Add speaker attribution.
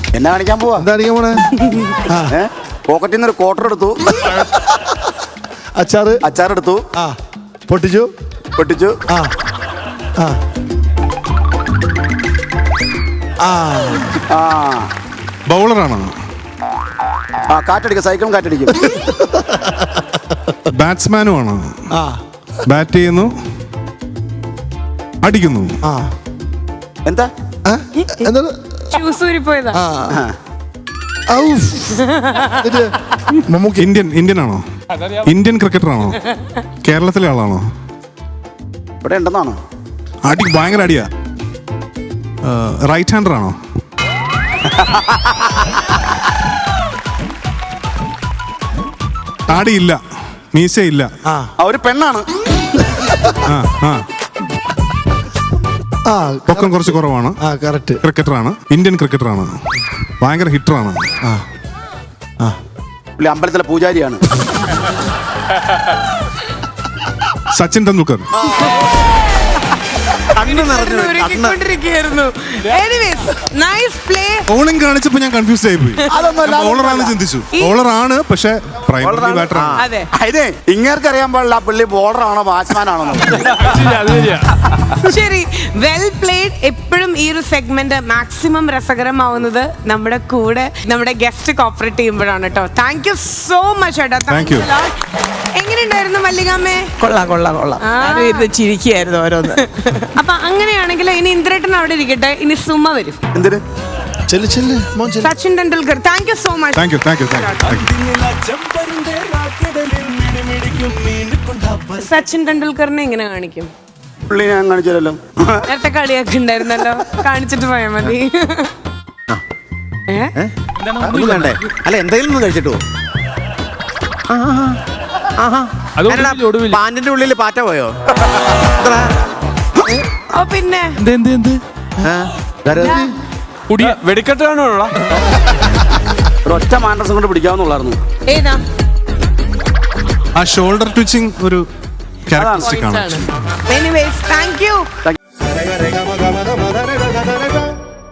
Speaker 1: എന്നാ കാണിക്കാൻ പോവാ?
Speaker 2: എന്താ കാണിക്കാൻ പോണേ?
Speaker 1: പോക്കറ്റിൽ നിന്ന് ഒരു ക്വാർട്ടർ എടുത്തു, അച്ചാറെടുത്തു,
Speaker 2: പൊട്ടിച്ചു.
Speaker 3: ബൗളറാണോ?
Speaker 1: കാറ്റടിക്കും, സൈക്കിളും കാറ്റടിക്കും.
Speaker 3: ബാറ്റ്സ്മാനും ആണോ? ബാറ്റ് ചെയ്യുന്നു, അടിക്കുന്നു.
Speaker 1: എന്താ
Speaker 4: പോയതാ?
Speaker 3: ഇന്ത്യൻ ആണോ? ഇന്ത്യൻ ക്രിക്കറ്റർ ആണോ? കേരളത്തിലെ ആളാണോ?
Speaker 1: ഇവിടെ ഉണ്ടെന്നാണോ?
Speaker 3: അടി ഭയങ്കര അടിയാ. റൈറ്റ് ഹാൻഡർ ആണോ? താടിയില്ല, മീശയില്ല.
Speaker 1: ഒരു പെണ്ണാണ്.
Speaker 3: പൊക്കം കുറച്ച് കുറവാണ്. ക്രിക്കറ്ററാണ്, ഇന്ത്യൻ ക്രിക്കറ്ററാണ്, ഭയങ്കര ഹിറ്ററാണ്.
Speaker 1: അമ്പലത്തിലെ പൂജാരിയാണ്.
Speaker 3: സച്ചിൻ ടെണ്ടുൽക്കർ. ബോളിംഗ് കാണിച്ചപ്പോ ഞാൻ കൺഫ്യൂസ് ആയിപ്പോയി. ബോളറാണെന്ന് ചിന്തിച്ചു. ബോളറാണ്, പക്ഷെ പ്രൈമറി ബാറ്ററാണ്.
Speaker 1: ഇങ്ങേർക്ക് അറിയാൻ പാടില്ല പുള്ളി ബോളറാണോ ബാറ്റ്സ്മാൻ ആണോ.
Speaker 4: ശരി, വെൽ പ്ലേഡ്. എപ്പോഴും ഈ ഒരു സെഗ്മെന്റ് മാക്സിമം രസകരമാവുന്നത് നമ്മുടെ കൂടെ നമ്മുടെ ഗസ്റ്റ് കോപ്പറേറ്റ് ചെയ്യുമ്പോഴാണ് കേട്ടോ. താങ്ക് യു സോ മച്ച് ഏട്ടാ. എങ്ങനെയുണ്ടായിരുന്നു മല്ലികാമ്മേ?
Speaker 5: കൊള്ളാം. ചിരിക്കുകയായിരുന്നു ഓരോന്ന്.
Speaker 4: അപ്പൊ അങ്ങനെയാണെങ്കിൽ ഇനി ഇന്ദ്രേട്ടൻ അവിടെ ഇരിക്കട്ടെ, ഇനി സുമ വരും.
Speaker 1: എന്തിന്?
Speaker 4: Sachin Tendulkar. Thank you so much. Sachin ടെണ്ടുൽക്കറിനെ എങ്ങനെ കാണിക്കും?
Speaker 1: പുള്ളി ഞാൻ കാണിച്ചല്ലോ.
Speaker 4: നേരത്തെ കളിയൊക്കെ ഉണ്ടായിരുന്നല്ലോ, കാണിച്ചിട്ട് പോയാൽ മതി.
Speaker 5: അല്ല, എന്തെങ്കിലും കഴിച്ചിട്ടോ? പാന്റിന്റെ ഉള്ളിൽ പാറ്റ പോയോ?
Speaker 4: ഓ പിന്നെ
Speaker 1: വെടിക്കെട്ടാണോ? ഒറ്റ മാൻഡ്രസം കൊണ്ട് പിടിക്കാവുന്നുള്ളായിരുന്നു.
Speaker 4: ഏതാ?
Speaker 3: ആ ഷോൾഡർ ട്വിച്ചിങ് ഒരു ക്യാരക്ടറിസ്റ്റിക് ആണ്.
Speaker 4: Anyways, thank U.